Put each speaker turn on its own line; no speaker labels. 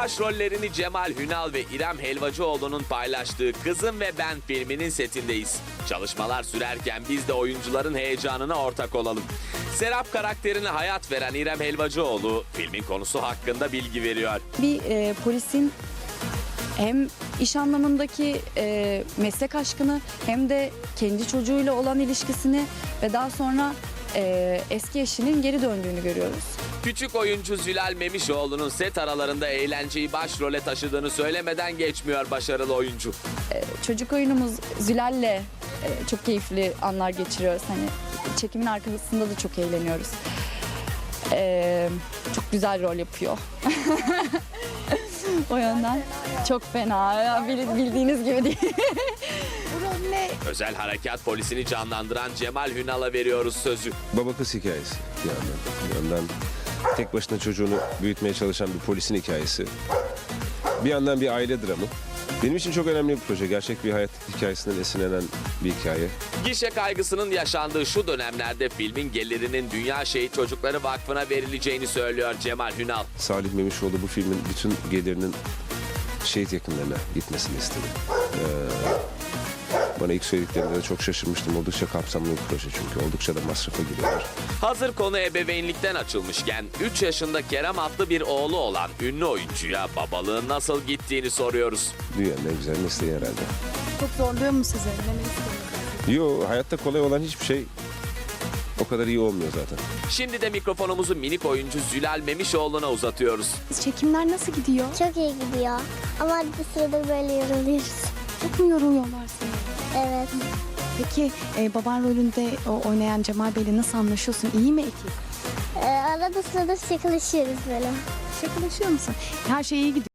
Başrollerini Cemal Hünal ve İrem Helvacıoğlu'nun paylaştığı Kızım ve Ben filminin setindeyiz. Çalışmalar sürerken biz de oyuncuların heyecanına ortak olalım. Serap karakterine hayat veren İrem Helvacıoğlu filmin konusu hakkında bilgi veriyor.
Bir polisin hem iş anlamındaki meslek aşkını hem de kendi çocuğuyla olan ilişkisini ve daha sonra eski eşinin geri döndüğünü görüyoruz.
Küçük oyuncu Zülal Memişoğlu'nun set aralarında eğlenceyi başrole taşıdığını söylemeden geçmiyor başarılı oyuncu.
Çocuk oyunumuz Zülal'le çok keyifli anlar geçiriyoruz. Hani çekimin arkasında da çok eğleniyoruz. Çok güzel rol yapıyor. O yönden çok fena. Ya, bildiğiniz gibi değil.
Bu rol ne?
Özel harekat polisini canlandıran Cemal Hünal'a veriyoruz sözü.
Baba kız hikayesi bir yandan tek başına çocuğunu büyütmeye çalışan bir polisin hikayesi. Bir yandan bir aile dramı. Benim için çok önemli bir proje. Gerçek bir hayat hikayesinden esinlenen bir hikaye.
Gişe kaygısının yaşandığı şu dönemlerde filmin gelirinin Dünya Şehit Çocukları Vakfı'na verileceğini söylüyor Cemal Hünal.
Salih Memişoğlu bu filmin bütün gelirinin şehit yakınlarına gitmesini istedi. Bana ilk söylediklerinde de çok şaşırmıştım. Oldukça kapsamlı bir proje çünkü. Oldukça da masrafa giriyorlar.
Hazır konu ebeveynlikten açılmışken 3 yaşında Kerem adlı bir oğlu olan ünlü oyuncuya babalığın nasıl gittiğini soruyoruz.
Dünyanın en güzel mesleği herhalde.
Çok zorluyor mu sizi? Neler istiyorsunuz?
Yo, hayatta kolay olan hiçbir şey o kadar iyi olmuyor zaten.
Şimdi de mikrofonumuzu minik oyuncu Zülal Memişoğlu'na uzatıyoruz.
Çekimler nasıl gidiyor?
Çok iyi gidiyor. Ama bir sırada böyle yoruluyoruz.
Çok mu yoruluyorlar seni?
Evet.
Peki baban rolünde oynayan Cemal Bey'le nasıl anlaşıyorsun? İyi mi ekip?
Arada sırada şakalaşıyoruz böyle.
Şakalaşıyor musun? Her şey iyi gidiyor.